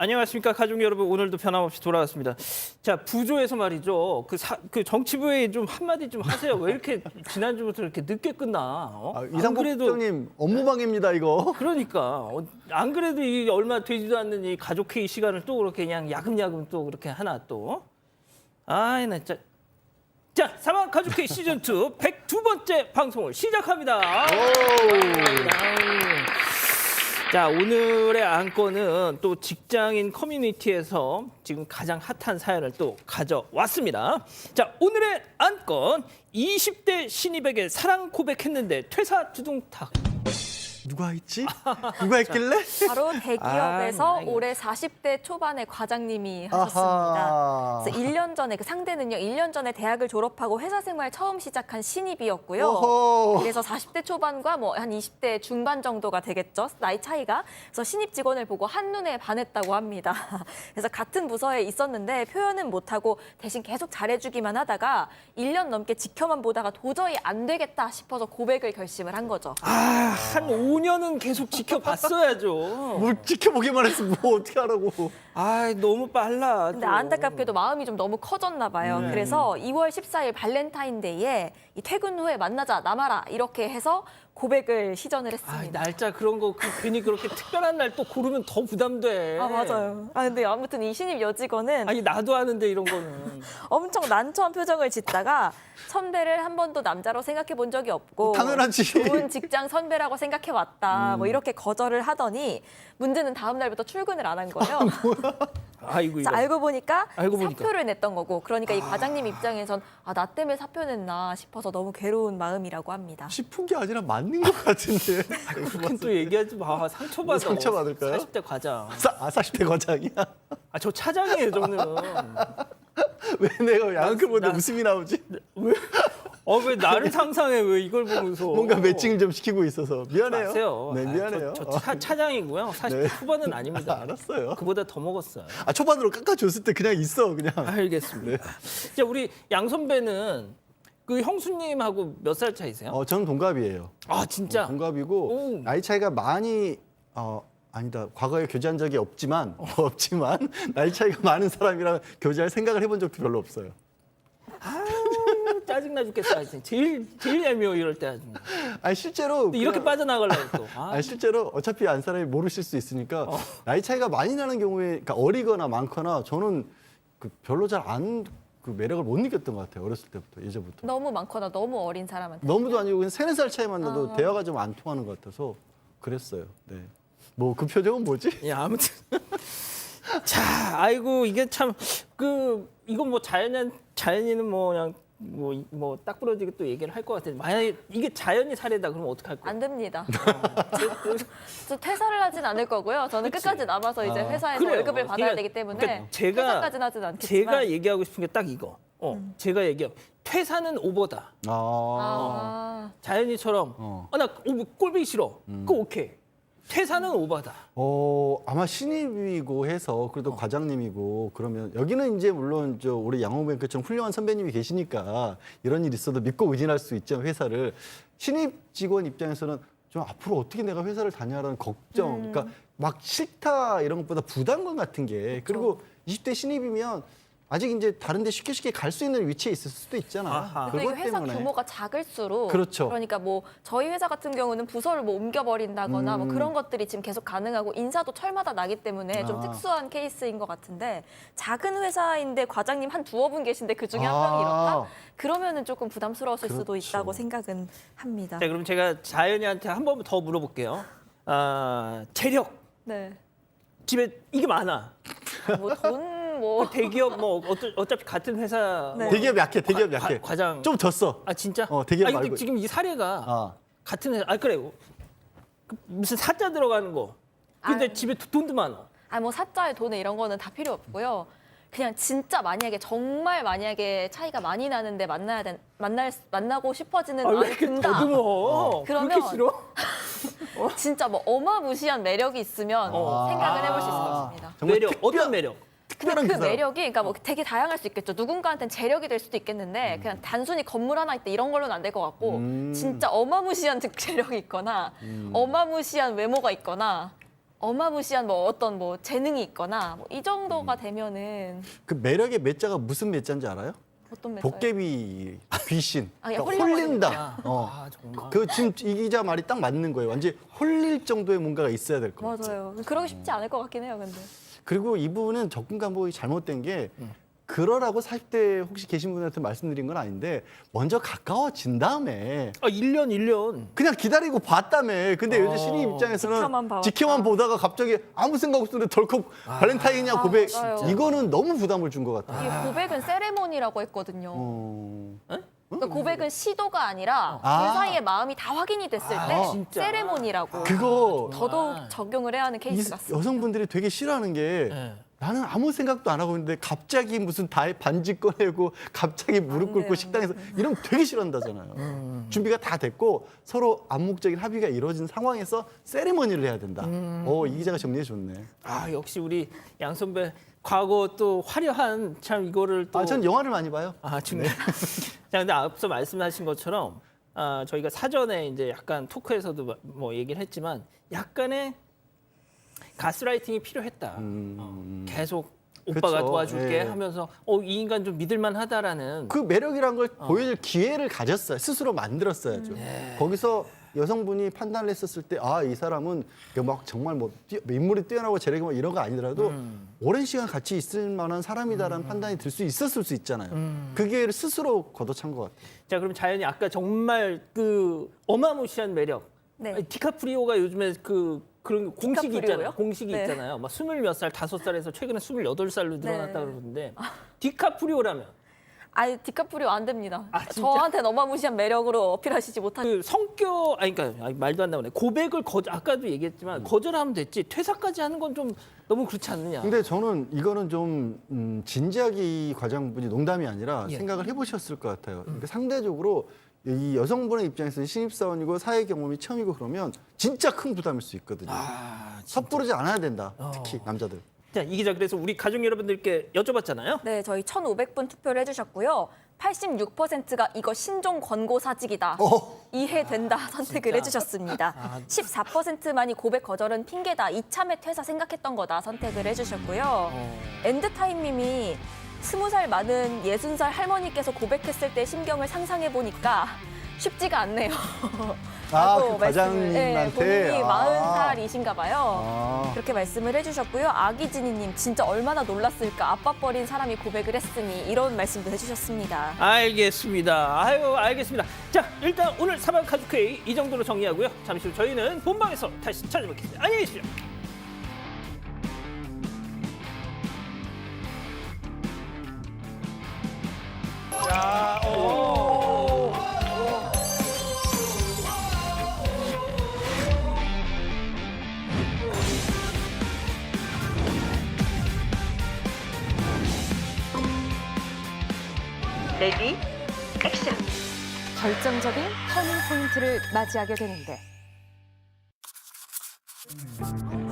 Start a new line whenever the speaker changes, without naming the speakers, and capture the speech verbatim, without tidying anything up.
안녕하십니까 가족 여러분. 오늘도 변함없이 돌아왔습니다. 자, 부조에서 말이죠. 그, 사, 그 정치부에 좀 한마디 좀 하세요. 왜 이렇게 지난주부터 이렇게 늦게 끝나? 어?
아, 이상복 부장님 업무방해입니다 이거.
그러니까 어, 안 그래도 이 얼마 되지도 않는 이 가족 회의 시간을 또 그렇게 그냥 야금야금 또 그렇게 하나 또. 아이 나 진짜. 자, 사막 가족 회의 시즌 투 백이 번째 방송을 시작합니다. 자, 오늘의 안건은 또 직장인 커뮤니티에서 지금 가장 핫한 사연을 또 가져왔습니다. 자, 오늘의 안건, 이십 대 신입에게 사랑 고백했는데 퇴사 두둥탁.
누가 했지? 누가 했길래?
바로 대기업에서
아,
올해 사십 대 초반의 과장님이
아하.
하셨습니다. 그래서 일 년 전에 그 상대는요. 일 년 전에 대학을 졸업하고 회사 생활 처음 시작한 신입이었고요.
오호.
그래서 사십 대 초반과 뭐 한 이십 대 중반 정도가 되겠죠. 나이 차이가. 그래서 신입 직원을 보고 한눈에 반했다고 합니다. 그래서 같은 부서에 있었는데 표현은 못하고 대신 계속 잘해주기만 하다가 일 년 넘게 지켜만 보다가 도저히 안 되겠다 싶어서 고백을 결심을 한 거죠.
아, 한 오 년은 계속 지켜봤어야죠.
뭘 지켜보기만 했어 뭐 어떻게 하라고.
아, 너무 빨라.
근데
또.
안타깝게도 마음이 좀 너무 커졌나 봐요.
네.
그래서 이월 십사일 발렌타인데이에 이 퇴근 후에 만나자 남아라 이렇게 해서 고백을 시전을
아,
했습니다.
날짜 그런 거 그, 괜히 그렇게 특별한 날 또 고르면 더 부담돼.
아 맞아요. 아 근데 아무튼 이 신입 여직원은
아니 나도 아는데 이런 거는.
엄청 난처한 표정을 짓다가 선배를 한 번도 남자로 생각해 본 적이 없고
당연하지.
좋은 직장 선배라고 생각해 왔다. 뭐 이렇게 거절을 하더니 문제는 다음 날부터 출근을 안 한 거예요.
아이고 이거.
자, 알고 보니까
알고 보니까.
사표를 냈던 거고 그러니까 이 과장님 입장에선 아, 나 때문에 사표 냈나 싶어서 너무 괴로운 마음이라고 합니다.
싶은 게 아니라 맞는 것 같은데.
그건 또 얘기하지 마. 상처받아.
상처받을까요?
사십 대 과장.
사, 아 사십 대 과장이야?
아, 저 차장이에요, 저는.
왜 내가 양극을 보는데
나-
웃음이 나오지?
왜? 어, 왜 나를 상상해? 왜 이걸 보면서?
뭔가 매칭을 좀 시키고 있어서 미안해요.
마세요.
네
아,
미안해요.
저, 저 차, 차장이고요. 사십 대
네.
후반은 아닙니다.
알았어요.
그보다 더 먹었어요.
아 초반으로 깎아줬을 때 그냥 있어 그냥.
알겠습니다. 자, 우리 양 선배는 그 형수님하고 몇 살 차이세요?
어 저는 동갑이에요.
아, 진짜?
동갑이고
오.
나이 차이가 많이 어 아니다 과거에 교제한 적이 없지만
어.
없지만 나이 차이가 많은 사람이랑 교제할 생각을 해본 적도 별로 없어요.
아유, 짜증나 죽겠어. 진짜. 제일, 제일 얄미워, 이럴 때. 아주.
아니 실제로
또 이렇게
그냥-
빠져나가려고 또. 아,
아니 실제로 어차피 안 사람이 모르실 수 있으니까 나이 차이가 많이 나는 경우에 그러니까 어리거나 많거나 저는 그 별로 잘 안 그 매력을 못 느꼈던 것 같아요 어렸을 때부터 예전부터.
너무 많거나 너무 어린 사람한테.
너무도 아니고 그냥 세네 살 차이만 나도
아.
대화가 좀 안 통하는 것 같아서 그랬어요. 네. 뭐 그 표정은 뭐지?
예, 아무튼. 자, 아이고, 이게 참, 그, 이건 뭐 자연인, 자연인은 뭐 그냥, 뭐, 뭐, 딱 부러지게 또 얘기를 할 것 같아요. 만약에 이게 자연이 사례다, 그러면 어떡할 거예요?
안 됩니다. 저 퇴사를 하진 않을 거고요. 저는 끝까지 남아서 이제
아.
회사에서
그래요.
월급을 받아야
그러니까-
되기 때문에
그러니까 제가-
퇴사까지는 하진 않겠지만.
제가 얘기하고 싶은 게 딱 이거. 어, 제가 얘기하고, 퇴사는 오버다.
아.
아,
자연이처럼,
어.
어, 나 꼴보기 싫어. 그거 오케이. 퇴사는 오버다.
어 아마 신입이고 해서 그래도
어.
과장님이고 그러면 여기는 이제 물론 저 우리 양호뱅크처럼 훌륭한 선배님이 계시니까 이런 일 있어도 믿고 의진할 수 있죠 회사를. 신입 직원 입장에서는 좀 앞으로 어떻게 내가 회사를 다녀라는 걱정,
음.
그러니까 막 싫다 이런 것보다 부담감 같은 게 그리고 이십 대 신입이면 아직 이제 다른 데 쉽게 쉽게 갈 수 있는 위치에 있을 수도 있잖아.
아하.
그리고
그것
이게 회사
때문에.
규모가 작을수록
그렇죠.
그러니까 뭐 저희 회사 같은 경우는 부서를 뭐 옮겨버린다거나 뭐
음.
그런 것들이 지금 계속 가능하고 인사도 철마다 나기 때문에 좀
아.
특수한 케이스인 것 같은데 작은 회사인데 과장님 한 두어 분 계신데 그 중에 한
아.
명이 이렇다? 그러면은 조금 부담스러웠을 수도
그렇죠.
있다고 생각은 합니다.
자, 그럼 제가 자연이한테 한 번 더 물어볼게요. 아, 재력.
네.
집에 이게 많아.
뭐 돈 뭐
대기업 뭐 어차- 어차피 같은 회사
네.
뭐
대기업 약해, 대기업
과-
약해.
과- 과장
좀 졌어.
아 진짜?
어, 대기업
아니, 근데
말고.
지금 이 사례가
아.
같은 회사 아 그래 그 무슨 사자 들어가는 거 근데
아유.
집에 돈도 많아.
아 뭐 사자의 돈에 이런 거는 다 필요 없고요. 그냥 진짜 만약에 정말 만약에 차이가 많이 나는데 만나야 된 만날 만나고 싶어지는
아, 왜
마음이
이렇게
든다.
더듬어?
그러면-
그렇게 싫어?
진짜 뭐 어마무시한 매력이 있으면
어.
생각을 해볼 수
아.
있습니다.
정말
매력
특별-
어떤 매력?
근데
특별한
그
그 사람.
매력이 그러니까 뭐 되게 다양할 수 있겠죠. 누군가한테는 재력이 될 수도 있겠는데 그냥 단순히 건물 하나 있다 이런 걸로는 안 될 것 같고
음.
진짜 어마무시한 재력이 있거나 어마무시한 외모가 있거나 어마무시한 뭐 어떤 뭐 재능이 있거나 뭐 이 정도가 되면은
그 매력의 매자가 무슨 매자인지 알아요?
어떤 매력?
도깨비 귀신.
아, 예,
그러니까
홀려버리는
홀린다. 어.
아, 정말.
그 지금 이 기자 말이 딱 맞는 거예요. 완전 홀릴 정도의 뭔가가 있어야 될 것 같아요.
맞아요. 그러기 쉽지 않을 것 같긴 해요, 근데.
그리고 이분은 접근 방법이 잘못된 게 그러라고 사십 대 혹시 계신 분한테 말씀드린 건 아닌데 먼저 가까워진 다음에
아, 일 년, 일 년.
그냥 기다리고 봤다며. 근데 요즘
어.
신입 입장에서는
지켜만 봐왔다.
지켜만 보다가 갑자기 아무 생각 없었는데 덜컥 발렌타인이냐
아,
고백.
맞아요.
이거는 너무 부담을 준 것 같아요.
이게 고백은 세레모니라고 했거든요.
어.
그러니까 고백은 시도가 아니라
아.
그 사이에 마음이 다 확인이 됐을 때
아,
진짜?
세레모니라고
그거
더더욱 적용을 해야 하는
이
케이스 같습니다.
여성분들이 되게 싫어하는 게
네.
나는 아무 생각도 안 하고 있는데 갑자기 무슨 다 반지 꺼내고 갑자기 무릎
안
꿇고
돼요,
식당에서 이러면 되게 싫어한다잖아요. 준비가 다 됐고 서로 암묵적인 합의가 이루어진 상황에서 세리머니를 해야 된다. 어, 이 기자가 정리해 줬네.
아, 역시 우리 양 선배 과거 또 화려한 참 이거를 또
아, 전 영화를 많이 봐요.
아, 중요해. 자, 근데 앞서 말씀하신 것처럼 아, 저희가 사전에 이제 약간 토크에서도 뭐 얘기를 했지만 약간의 가스라이팅이 필요했다. 어, 계속 오빠가
그쵸.
도와줄게
예.
하면서 어, 이 인간 좀 믿을만하다라는
그 매력이란 걸 보여줄 기회를 가졌어요. 스스로 만들었어야죠. 거기서 여성분이 판단을 했었을 때 아, 이 사람은 막 정말 뭐 뛰어, 인물이 뛰어나고 재력이 뭐 이런 거 아니더라도 오랜 시간 같이 있을 만한 사람이다라는 판단이 들 수 있었을 수 있잖아요. 그 기회를 스스로 걷어찬 것 같아요.
자, 그럼 자연이 아까 정말 그 어마무시한 매력.
네.
아니, 디카프리오가 요즘에 그 그런 공식이
디카프리오요?
있잖아요. 공식이
네.
있잖아요. 막 스물 몇 살, 다섯 살에서 최근에 스물여덟 살로 늘어났다
네.
그러는데 디카프리오라면
아니 디카프리오 안 됩니다.
아, 진짜?
저한테 어마무시한 매력으로 어필하시지 못하시.
그 성격 아니 그러니까 아니, 말도 안 나오네. 고백을 거 아까도 얘기했지만 거절하면 됐지. 퇴사까지 하는 건 좀 너무 그렇지 않느냐.
근데 저는 이거는 좀 음, 진지하게 이 과장분이 농담이 아니라
예.
생각을 해보셨을 것 같아요. 그러니까 상대적으로 이 여성분의 입장에서는 신입사원이고 사회 경험이 처음이고 그러면 진짜 큰 부담일 수 있거든요.
아,
섣부르지 않아야 된다.
어.
특히 남자들.
자, 이 기자 그래서 우리 가족 여러분들께 여쭤봤잖아요.
네, 저희 천오백 분 투표를 해주셨고요. 팔십육 퍼센트가 이거 신종 권고 사직이다.
어.
이해된다 선택을
진짜?
해주셨습니다.
아.
십사 퍼센트만이 고백 거절은 핑계다. 이참에 퇴사 생각했던 거다 선택을 해주셨고요.
어.
엔드타임님이 스무 살 많은 예순 살 할머니께서 고백했을 때 심경을 상상해 보니까 쉽지가 않네요.
아,
라고
그 과장님한테?
본인이
아.
마흔 살이신가 봐요.
아.
그렇게 말씀을 해주셨고요. 아기진이님 진짜 얼마나 놀랐을까. 아빠 버린 사람이 고백을 했으니 이런 말씀도 해주셨습니다.
알겠습니다. 아유, 알겠습니다. 자, 일단 오늘 사방 가족회의 이 정도로 정리하고요. 잠시 후 저희는 본방에서 다시 찾아뵙겠습니다. 안녕히 계십시오. 자, 오.
레디 액션.
결정적인 터닝 포인트를 맞이하게 되는데